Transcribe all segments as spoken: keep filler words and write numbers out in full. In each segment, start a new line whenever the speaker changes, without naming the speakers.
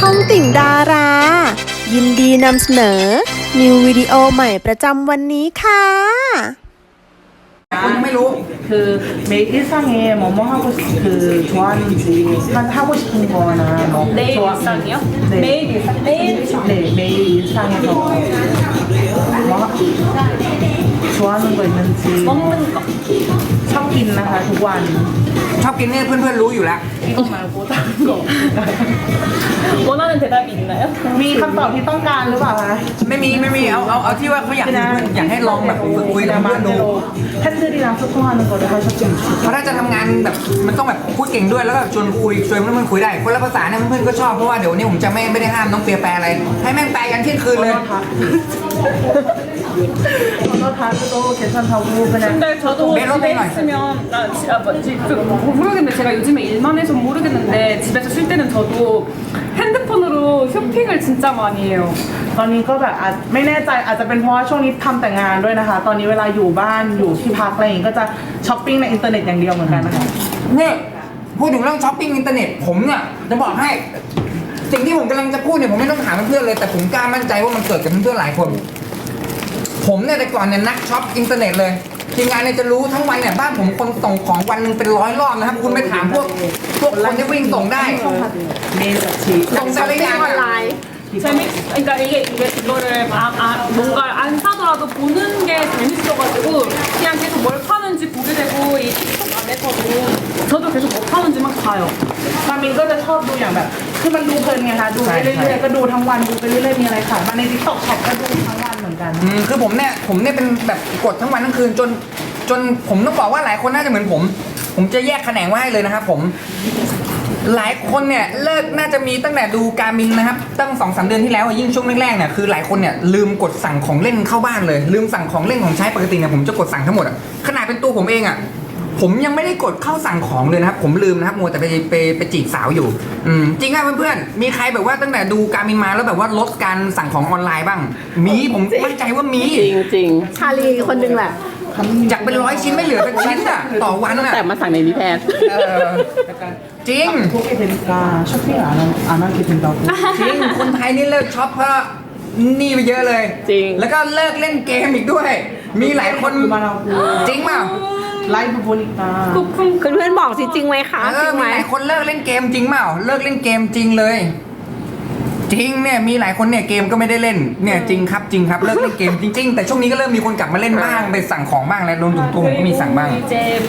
องติ่งดารา ยินดีนำเสนอ นิววิดีโอใหม่ประจำวันนี้ค่ะ
คนไม่รู้คือ매일일상에뭐뭐하고싶그좋아하는지하고싶은거나뭐매일일상이요매일일상매일네매일일상에서뭐좋아하는거있는지먹는거ชอบกินนะคะทุกวันชอบกินเนี่ยเพื่อนๆรู้อยู่แล้ว이거말고다른거원하는대답이있나요มีคำตอบที่ต้องการหรือเปล่าคะไม่มีไม่มีเอาเอาเอาที่ว่าเขาอยากอยากให้ลองแบบฝึกคุยกับเพื่อนดูเพราะถ้าจะทำงานแบบมันต้องแบบพูดเก่งด้วยแล้วก็ชวนคุยชวนเพื่อนๆคุยได้คนละภาษาเนี่ยเพื่อนๆก็ชอบเพราะว่าเดี๋ยวนี้ผมจะไม่ไม่ได้ห้ามน้องเปียแปลอะไรให้แม่งแปลกันเที่ยงคืนเลย근데저도배웠으면나지금모르겠는데제가요즘에일만해서모르겠는데집에서쉴때는저도핸드폰으로쇼핑을진짜많이해요ตอนนี้ก็แบบอาจไม่แน่ใจอาจจะเป็นเพราะว่าช่วงนี้ทำแต่งานด้วยนะคะตอนนี้เวลาอยู่บ้านอยู่ที่พักอะไรอย่างงี้ก็จะช้อปปิ้งในอินเทอร์เน็ตอย่างเดียวเหมือนกันนะคะเนี่ยพูดถึงเรื่องช้อปปิ้งอินเทอร์เน็ตผมเนี่ยจะบอกให้สิ่งที่ผมกำลังจะพูดเนี่ยผมไม่ต้องถามเพื่อนๆเลยแต่ผมกล้ามั่นใจว่ามันเกิดกับเพื่อนๆหลายคนผมเนี่ยแต่ก่อนเนี่ยนักช็อปอินเทอร์เน็ตเลยทีมงานเนี่ยจะรู้ทั้งวันเนี่ยบ้านผมคนส่งของวันหนึ่งเป็นร้อยรอบนะครับคุณไปถามพวกพวกคนที่วิ่งส่งได้ส่งแต่ละอย่างออนไลน์
재밌, 그러니까 이게, 이게 이거를 막, 아, 뭔가 안 사더라도 보는 게 재밌어가지고 그냥 계속 뭘 파는지 보게 되고 이 틱톡 안에서도 저도 계속 뭐 파는지 막 봐요. มามินก็จะชอบดูอย่างแบบคือมันดูเพลินไงคะดูไปเรื่อยๆก็ดูทั้งวันดูไปเรื่อยๆมีอะไรขายมาใน TikTok Shop ก็ดูทั้งวันเหมือนกันอืมคือผมเนี่ยผมเนี่ยเป็นแบบกดทั้งวันทั้งคืนจนจนผมต้องบอกว่าหลายคนน่าจะเหมือนผมผมจะแยกแขนงไว้ให้เลยนะครับผมหลายคนเนี่ยเลิกน่าจะมีตั้งแต่ดูการมินนะครับตั้งสองสามเดือนที่แล้วยิ่งช่วงแรกๆเนี่ยคือหลายคนเนี่ยลืมกดสั่งของเล่นเข้าบ้านเลยลืมสั่งของเล่นของใช้ปกติเนี่ยผมจะกดสั่งทั้งหมดอ่ะขนาดเป็นตัวผมเองอ่ะผมยังไม่ได้กดเข้าสั่งของเลยนะครับผมลืมนะครับมัวแต่ไปไปไปจีบสาวอยู่อืมจริงอ่ะเพื่อนๆมีใครแบบว่าตั้งแต่ดูการมินมาแล้วแบบว่าลดการสั่งของออนไลน์บ้างมีผมมั่นใจว่ามี
จริงจริง
ชาลีคนหนึ่งแหละ
จากเป็นร้อยชิ้นไม่เหลือเป็นชิ้นอ่ะต่อวันอ่ะ
แต่มาสั่งในนี้แทน
จริงจริงคนไทยนี่เลิกช็อปเพราะนี่ไปเยอะเลย
จริง
แล้วก็เลิกเล่นเกมอีกด้วยมีหลายคนจริงเปล่าไลฟ์บนิกา
เพื่อนๆบอกสิจริงไหมคะ
จริงไหมมีหลายคนเลิกเล่นเกมจริงเปล่าเลิกเล่นเกมจริงเลยจริงเนี่ยมีหลายคนเนี่ยเกมก็ไม่ได้เล่นเนี่ยจริงครับจริงครับเลิกเล่นเกมจริงๆแต่ช่วงนี้ก็เริ่มมีคนกลับมาเล่นบ้างไปสั่งของบ้างแล้วรวมถึงตัวผมก็มีสั่งบ้าง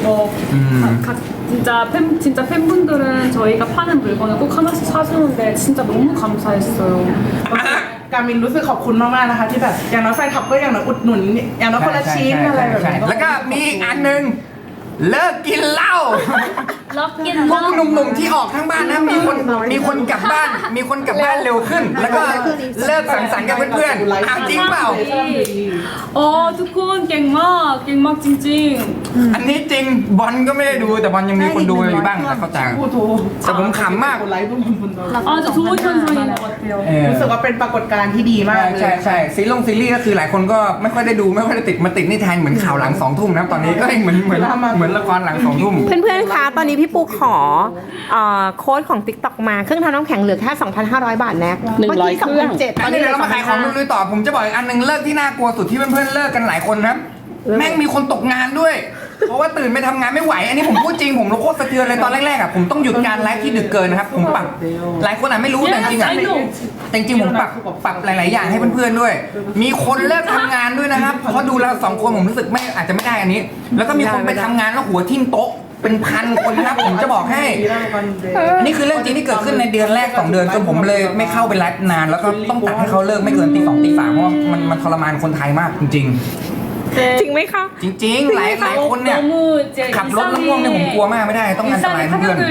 진짜팬분들은저희가파는물건을꼭하나씩사주는데진짜너무감사했어요
การมินรู้สึกขอบคุณมากๆนะคะที่แบบอย่างน้อยแฟนคลับก็อย่างน้อยอุดหนุนอย่างน้อยคนละชิ้นอะไรแบบนี้แล้วก็มีอีกอันนึงเลิกกินเหล้าพวกหนุ่มๆที่ออกทั้งบ้านนะมีคนมีคนกลับบ้านมีคนกลับบ้านเร็วขึ้นแล้วก็เลิกสังสรรค์กับเพื่อนๆอ่ะจริงเปล่า
어ทุกคนเก่งมากเก่งมากจริง
ๆอันนี้จริงบอลก็ไม่ได้ดูแต่บอลยังมีคนดูอยู่บ้างนะเข้าใจแต่ผมขำมาก
아주 좋은 현상인 것 같아요
รู้สึกว่าเป็นปรากฏการณ์ที่ดีมากใช่ใช่ซีรีส์ซีรีส์ก็คือหลายคนก็ไม่ค่อยได้ดูไม่ค่อยได้ติดมาติดนี่แทนเหมือนข่าวหลังสองทุ่มนะตอนนี้ก็เหมือนเหมือนเหมือนละครหลังสองทุ่ม
เพื่อนๆคะตอนนี้พี่ปูขอโค้ดของ TikTok มาเครื่องทำน้ำแข็งเหลือแค่ สองพันห้าร้อย บาทแน็ก
หนึ่งร้อยเครื่อง
ตอนนี้เรามาขายของลุยๆต่อผมจะบอกอีกอันนึงเลิกที่น่ากลัวสุดที่เพื่อนๆเลิกกันหลายคนนะแม่งมีคนตกงานด้วยเพราะว่าตื่นไปทำงานไม่ไหวอันนี้ผมพูดจริงผมโคตรสะเทือนเลยตอนแรกๆอ่ะผมต้องหยุดการไลฟ์ที่ดึกเกินนะครับผมปรับหลายคนอ่ะไม่รู้แต่จริงอ่ะแต่จริงผมปรับปรับหลายๆอย่างให้เพื่อนๆด้วยมีคนเลิกทำงานด้วยนะครับเพราะดูเราสองคนผมรู้สึกไม่อาจจะไม่ได้อันนี้แล้วก็มีคนไปทำงานแล้วหัวทิ่มโต๊ะเป็นพันคนนะครับผมจะบอกให้อันนี้คือเรื่องจริงที่เกิดขึ้นในเดือนแรกสองเดือนจนผมเลยไม่เข้าไปไลฟ์นานแล้วก็ต้องตัดให้เขาเลิกไม่เกินตีสองตีสามเพราะว่ามันมันทรมานคนไทยมากจริงๆ
จริงไหมคะ
จริงๆหลายหลายคนเนี่ยขับรถแล้วง่วงเนี่ยผมกลัวมากไม่ได้ต้องอันตรายเพื่อน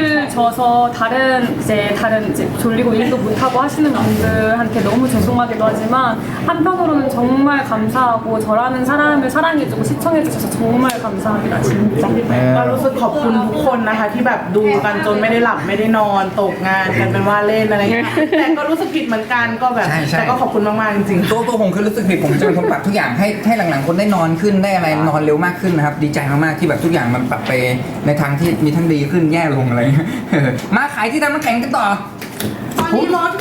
ก็รู้สึกขอบคุณทุกคนนะคะที่แบบดูกันจนไม่ได้หลับไม่ได้นอนตกงานกันเป็นว่าเล่นอะไรเงี้ยแต่ก็รู้สึกผิดเหมือนกันก็แบบแต่ก็ขอบคุณมากๆจริงๆตัวตัวผมคือรู้สึกผิดผมจะเป็นคนปรับทุกอย่างให้ให้หลังๆคนได้นอนขึ้นได้อะไรนอนเร็วมากขึ้นนะครับดีใจมากๆที่แบบทุกอย่างมันปรับไปในทางที่มีทั้งดีขึ้นแย่ลงอะไรมาขายที่ทำน้ำแข็งกันต่อตอนนี้ลดค่ะเหลือ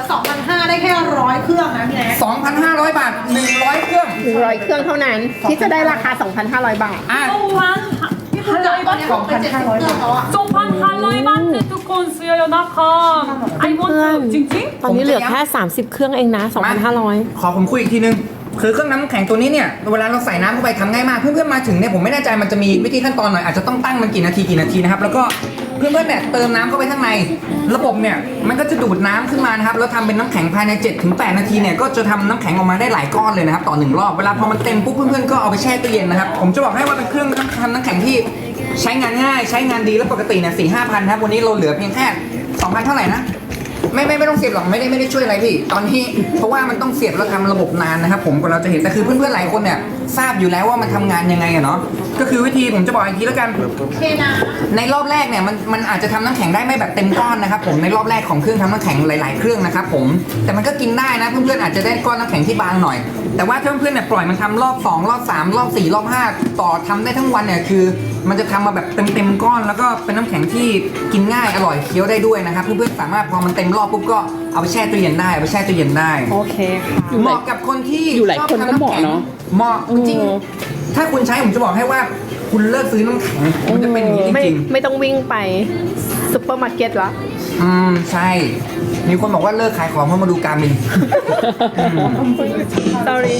สองพันห้าได้แค่ร้อยเครื่องนะพี่แน็ก
สองพันห้าร้อยบาทหนึ่งร้อยเครื่อง
หนึ่งร้อยเครื่องเท่านั้น ที่จะได้ราคา สองพันห้าร้อย บาท
อ่ะ
소환
พี่คุณจ่ายตอนนี้หกพันห้าร้อยเครื่องแล้วอะ
소환 할로이 바트 두콘 수여요 나카 I want 찡찡
ตอนนี้เหลือแค่ สามสิบ เครื่องเองนะ สองพันห้าร้อย
ขอผมคุยอีกทีนึง คือเครื่องน้ำแข็งตัวนี้เนี่ยเวลาเราใส่น้ำเข้าไปทำง่ายมาก เพื่อนๆมาถึงเนี่ยผมไม่แน่ใจมันจะมีวิธีขั้นตอนหน่อยอาจจะต้องตั้งมันกี่นาทีกี่นาทีนะครับแล้วก็เพื่อนๆเนี่ยเติมน้ำเข้าไปข้างในระบบเนี่ยมันก็จะดูดน้ำขึ้นมานะครับแล้วทำเป็นน้ำแข็งภายใน เจ็ดถึงแปด นาทีเนี่ยก็จะทำน้ำแข็งออกมาได้หลายก้อนเลยนะครับต่อหนึ่งรอบเวลาพอมันเต็มปุ๊บเพื่อนๆก็เอาไปแช่ตู้เย็นนะครับผมจะบอกให้ว่าเป็นเครื่องทำน้ำแข็งที่ใช้งานง่ายใช้งานดีแล้วปกติเนี่ยสี่ห้าพันครับวันนี้เราเหลือเพียงแค่สองพันเท่าไหร่นะ ไม่ไม่ไม่ต้องเสียบหรอกไม่ได้ไม่ได้ช่วยอะไรพี่ตอนนี้เพราะว่ามันต้องเสียบแล้วทำระบบนานนะครับผมกว่าเราจะเห็นแต่คือเพื่อนๆหลายคนเนี่ยทราบอยู่แล้วว่ามันทำงานยังไงอะเนาะก็คือวิธีผมจะบอกอีกทีแล้วกัน
เทน้
ในรอบแรกเนี่ยมันมันอาจจะทำน้ำแข็งได้ไม่แบบเต็มก้อนนะครับผมในรอบแรกของเครื่องทำน้ำแข็งหลาย ๆ เครื่องนะครับผมแต่มันก็กินได้นะเพื่อนๆอาจจะได้ก้อนน้ำแข็งที่บางหน่อย แต่ว่าถ้าเพื่อนๆเนี่ยปล่อยมันทำรอบสองรอบสามรอบสี่รอบห้าต่อทำได้ทั้งวันเนี่ยคือ มันจะทำมาแบบเต็มๆก้อนแล้วก็เป็นน้ำแข็งที่กินง่ายอร่อยเคี้ยวได้ด้วยนะครับเพื่อนๆสามารถพอมันเต็มรอบปุ๊บก็เอาไปแช่ตู้เย็นได้เอาไปแช่ตู้เย็นได้
โอเคค่ะ
เหมาะกับคนที่
อยู่หลาย
ชอบ
คนก็
ทำำ
เหมาะ
แข็ง
เนอะ
เหมาะจริง
อืม
ถ้าคุณใช้ผมจะบอกให้ว่าคุณเลิกซื้อน้ำแข็งมันจะเป็นอย่างนี้จ
ไม่
ริง
ไม่ต้องวิ่งไปซุปเปอร์มาร์เก็ตละ
ๆอืมใช่ มีคนบอกว่าเลิกขายของเพราะมาดูการมิน
sorry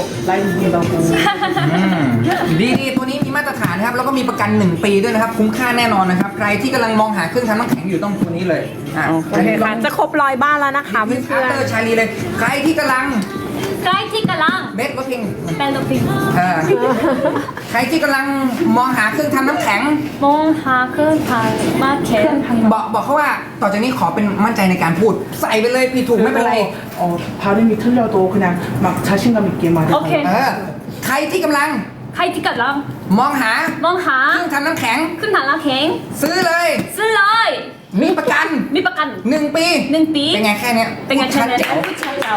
อืมดีดีตัวนี้มีมาตรฐานนะครับแล้วก็มีประกันหนึ่งปีด้วยนะครับคุ้มค่าแน่นอนนะครับใครที่กำลังมองหาเครื่องทำน้ำแข็งอยู่ต้องตัวนี้เลยอ่ะ
โอเคค่ะ จะครบร้อยบ้านแล้วนะคะ
มี
เพื่
คา
อน
เตอร์ชาลีเลย ใครที่กำลัง
까이티까랑
เบสรถพิง
벨로핑
เออใครที่กำลังมองหาเครื่องทำน้ำแข็ง
몽하크 마켓
บอกบอกเขาว่าต่อจากนี้ขอเป็นมั่นใจในการพูด ใส่ไปเลยผิดถูกไม่เป็นไร
어, 발음이 틀려도 그냥 막 자신감 있게 말해요.
오케이
เออใครที่กำลัง
까이티까랑
มองหาเครื่อง
몽하
ทำน้ำแข็ง
큰 달라캥
ซื้อเลย
슬라이
มีประกัน
미박간
หนึ่งปี
능비
เป็นไงแค่เนี้ย
땡가
ชัด
차네
แจ๋ว
차이라오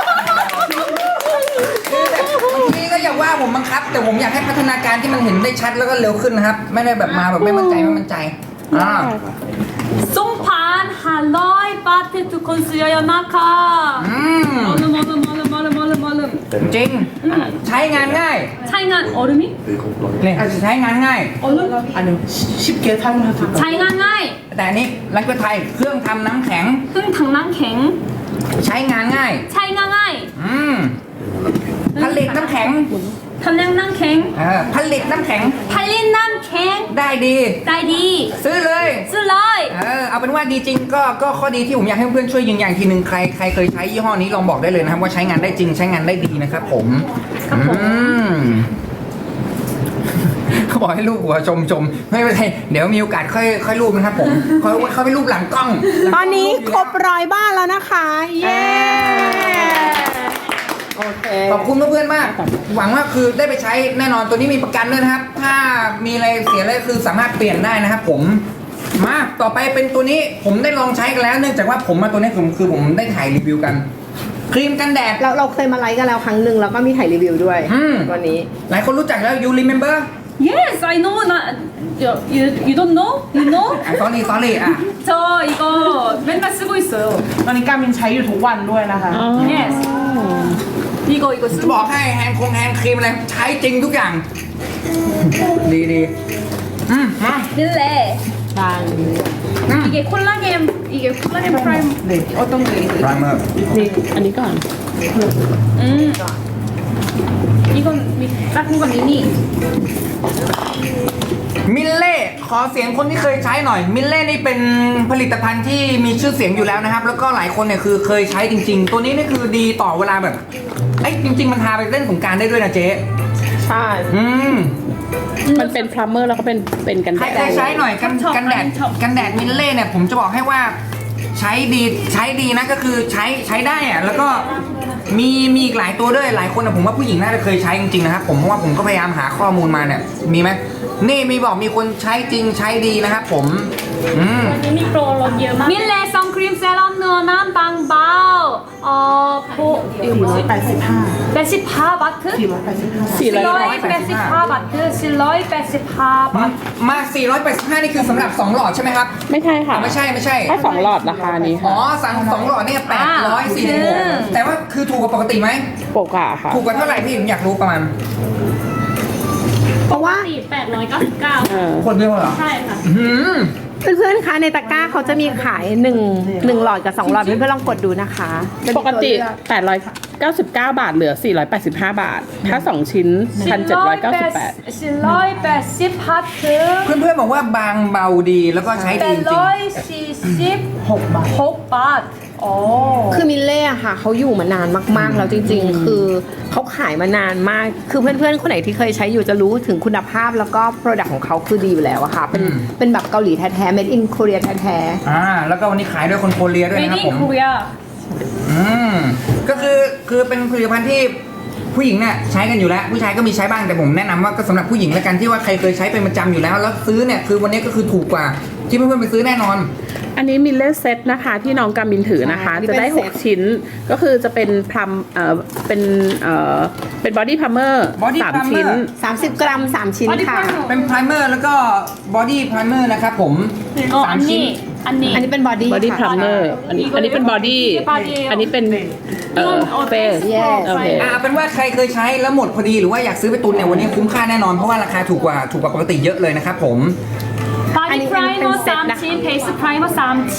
บางทีก็อย่าว่าผมบังคับ แต่ผมอยากให้พัฒนาการที่มันเห็นได้ชัดแล้วก็เร็วขึ้นนะครับ ไม่ได้แบบมาแบบไม่มั่นใจไม่มั่นใจอ่า
송판 할로이 바트 두콘 수여요 나카
อืม
얼음 얼음 얼음 얼음 얼음 얼음
จริงใช้งานง่าย
차이난 얼음이?
เนี่ยใช้งานง่าย
얼음?
아니요, 쉬- 쉽게 사용할 수 있다.
차이난 나이
แต่อันนี้รักเพื่อไทยเครื่องทำน้ำแข็ง
흥 당랑캥
ใช้งานง่าย
차이난 나이
อืมผลิตน้ำแข็ง
탐량랑캥
เออผลิตน้ำแข็ง
팔린남캥
ได้ดี
딸디
ซื้อเลย
슬라이
เออเอาเป็นว่าดีจริงก็ก็ข้อดีที่ผมอยากให้เพื่อนๆช่วยยืนยันอีกทีหนึ่งใครใครเคยใช้ยี่ห้อนี้ลองบอกได้เลยนะครับว่าใช้งานได้จริงใช้งานได้ดีนะครับผมอืมเขาบอกให้รูปหัวชมชมไม่เป็นไรเดี๋ยวมีโอกาสค่อยค่อยรูปนะครับผมเขาเขาไปรูปหลังกล้อง
ๆ ตอนนี้ครบร้อยบ้านแล้วนะคะ เย้ โอเค
ขอบคุณเพื่อนๆมาก หวังว่าคือได้ไปใช้แน่นอนตัวนี้มีประกันด้วยนะครับ ถ้ามีอะไรเสียอะไรคือสามารถเปลี่ยนได้นะครับผมมาต่อไปเป็นตัวนี้ผมได้ลองใช้กันแล้ว เนื่องจากว่าผมมาตัวนี้คือคือผมได้ถ่ายรีวิวกัน ครีมกันแดด
เราเราเคยมาไลฟ์กันแล้วครั้งหนึ่งแล้วก็มีถ่ายรีวิวด้วย
อืม
วันนี้
หลายคนรู้จักแล้ว you remember
Yes I know 나 you, you, you don't know? You know?
อ่ะ sorry sorry อ่ะ
저 이거 맨날 쓰고 있어요
ตอนนี้การมินใช้อยู่ทุกวันด้วยนะคะ
Yes 이거 이거
จะ
쓰고
บอกให้แฮนด์คงแฮนด์ครีมอะไรใช้จริงทุกอย่าง ดีดีอืมมา
릴레
บาง
อืม
이게 콜라겐 이게 콜라겐 프라임
네, 어떤 게
ไพรเมอร์
นี่อันนี้ก่อน
음 이건 미, 작은 거 미니
มิลเล่ขอเสียงคนที่เคยใช้หน่อย มิลเล่นี่เป็นผลิตภัณฑ์ที่มีชื่อเสียงอยู่แล้วนะครับ แล้วก็หลายคนเนี่ยคือเคยใช้จริง ๆ ตัวนี้นี่คือดีต่อเวลาแบบไอ้ยจริง ๆ มันทาไปเล่นสงกรารได้ด้วยนะเจ๊
ใช่
อืม
มันเป็นพลัมเมอร์แล้วก็เป็นเป็นกัน
ใคร
แด
เคย
ด
ใช้หน่อยกัน
ชอบ
กันแดด
ชอบ
กันแดดมิลเล่เนี่ยผมจะบอกให้ว่าใช้ดีใช้ดีนะก็คือใช้ใช้ได้อะแล้วก็มีมีอีกหลายตัวด้วยหลายคนนะผมว่าผู้หญิงน่าจะเคยใช้จริงๆนะครับผมเพราะว่าผมก็พยายามหาข้อมูลมาเนี่ยมีไหมนี่มีบอกมีคนใช้จริงใช้ดีนะครับผมอืม
미니 프로로 밀레 선크림 세럼 누어난 방바오 어 보, 이거 뭐지?
사백팔십오.
백십사 바트?
사백팔십오.
สี่ร้อย
실러이 백십사 바트. 실러이 백십사 바트.
มา สี่ร้อยแปดสิบห้า นี่คือสำหรับสองหลอดใช่ไหมครับ
ไม่ใช่ค่ะ
อ่ะไม่ใช่ไม่ใช่
ถ้าสองหลอดราคานี้
อ๋
ค่ะ
อสั่งสองหลอดเนี่ยแปดร้อยสี่สิบหก
อ่า
แต่ว่าคือถูกกว่าปกติไหม
โปกอะค่ะ
ถูกกว่าเท่าไหร่พี่ผมอยากรู้ประมาณ
เพราะว่า
แปดร้อยเก้าสิบเก้า
เออ
คนเดียวเหรอ
ใช่ค่ะ
อืม
เพื่อนๆคะในตะกร้าเขาจะมีขายหนึ่งหนึ่งหลอดกับสองหลอดเพื่อนๆลองกดดูนะคะปกติแปดร้อยเก้าสิบเก้าบาทเหลือสี่ร้อยแปดสิบห้าบาท ถ้าสองชิ้นหนึ่งพันเจ็ดร้อยเก้าสิบแปด
실러이 백십 바트.
เพื่อนๆบอกว่าบางเบาดีแล้วก็ใช้ดีจริง
백ร้อยสี่สิบหกบาทโอ้
คือมิลเล่อะค่ะเขาอยู่มานานมากๆ แล้วจริงๆ คือเขาขายมานานมาก คือเพื่อนๆ คนไหนที่เคยใช้อยู่จะรู้ถึงคุณภาพแล้วก็ Product ของเขาคือดีอยู่แล้วอะค่ะ เป็น
อืม
เป็นแบบเกาหลีแท้ๆ made in Korea แท้
อ่าแล้วก็วันนี้ขายด้วยคนโคเรียด้วยนะครับ
메이드
ผ
인
ม
코리아.
อืมก็คือคือเป็นผลิตภัณฑ์ที่ผู้หญิงเนี่ยใช้กันอยู่แล้ว ผู้ชายก็มีใช้บ้างแต่ผมแนะนำว่าก็สำหรับผู้หญิงแล้วกันที่ว่าใครเคยใช้เป็นประจำอยู่แล้ว แล้วซื้อเนี่ยคือวันนี้ก็คือถูกกว่าที่เพื่อนๆไปซื้อแน่นอน
ๆ อันนี้มิลเล่เซตนะคะที่น้องกามินถือนะคะ
อ่า
จะได้
นี่เป็น
หก ชิ้น ก็คือจะเป็นพลัมเอ่อเป็นเอ่อเป็นบอดี้พัมเมอร์
Body
สาม
Plumber
ชิ้นสามสิบกรัมสามชิ้น
어디
ค่ะ
팔노?
เป็นไพรเมอร์แล้วก็บอดี้ไพรเมอร์นะครับผม
어
สามชิ้น
언니
อัน
언니.
นี้เป็นบอดี้บอดี้พัมเมอร์อันนี้อันนี้เป็นบอดี้ อันนี้เป็นเอ่อ
이건 어
เฟส
Yes.
โอเค
อ่าเป็นว่าใครเคยใช้แล้วหมดพอดีหรือว่าอยากซื้อไปตุนเนี่ยวันนี้คุ้มค่าแน่นอนเพราะว่าราคาถูกกว่าถูกกว่าปกติเยอะเลยนะครับผม
바디
아니,
프라이머
pen 셋 나-
삼 친, 베이스 프라이머 삼 친,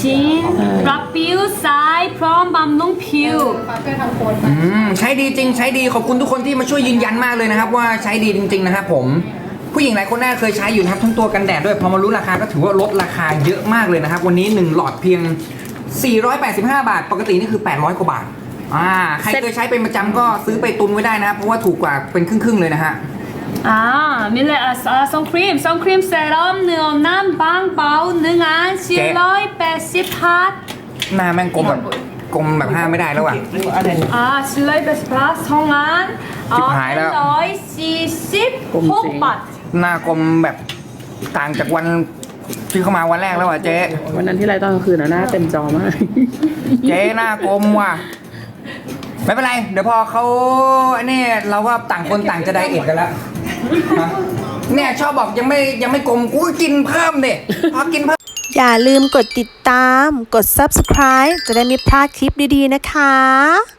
락뷰 사이 프롬 밤농 퓨.
ช่วยทำโค้ด
อืมใช้ดีจริงใช้ดีขอบคุณทุกคนที่มาช่วยยืนยันมากเลยนะครับว่าใช้ดีจริง ๆนะครับผมผู้หญิงหลายคนน่าเคยใช้อยู่นะครับทั้งตัวกันแดดด้วยพอมารู้ราคาก็ถือว่าลดราคาเยอะมากเลยนะครับวันนี้หนึ่งหลอดเพียงสี่ร้อยแปดสิบห้าบาทปกตินี่คือแปดร้อยกว่าบาทอ่าใครเคยใช้เป็นประจำก็ซื้อไปตุนไว้ได้นะครับเพราะว่าถูกกว่าเป็นครึ่งๆเลยนะฮะ
아, 밀레 아, 아 선크림, 선크림 세럼 능엄남 방바우 능한 실러이 백십 핫.
หน้าแม่งกลมแบบกลมแบบห้ามไม่ได้แล้วอ่ะ
아, 실러이 백십 핫 성한 어,
집하이라.
실러이 사십
꼼지.
혹밭.
หน้ากลมแบบต่างจากวันที่เข้ามาวันแรกแล้วอ่ะเจ๊
วันนั้นที่ไรตอนกลางคืนนะหน้าเต็มจอมาก
เจ๊หน้ากลมว่ะไม่เป็นไร เดี๋ยวพอเขาอันนี้เราก็ต่างคนต่างจะไดเอทกันแล้วฮะเนี่ยชอบบอกยังไม่ยังไม่กลมกูก็กินเพิ่มเด็พอกินเพิ่ม
อย่าลืมกดติดตาม กด ซับสไครบ์ จะได้ไม่พลาดคลิปดีๆนะคะ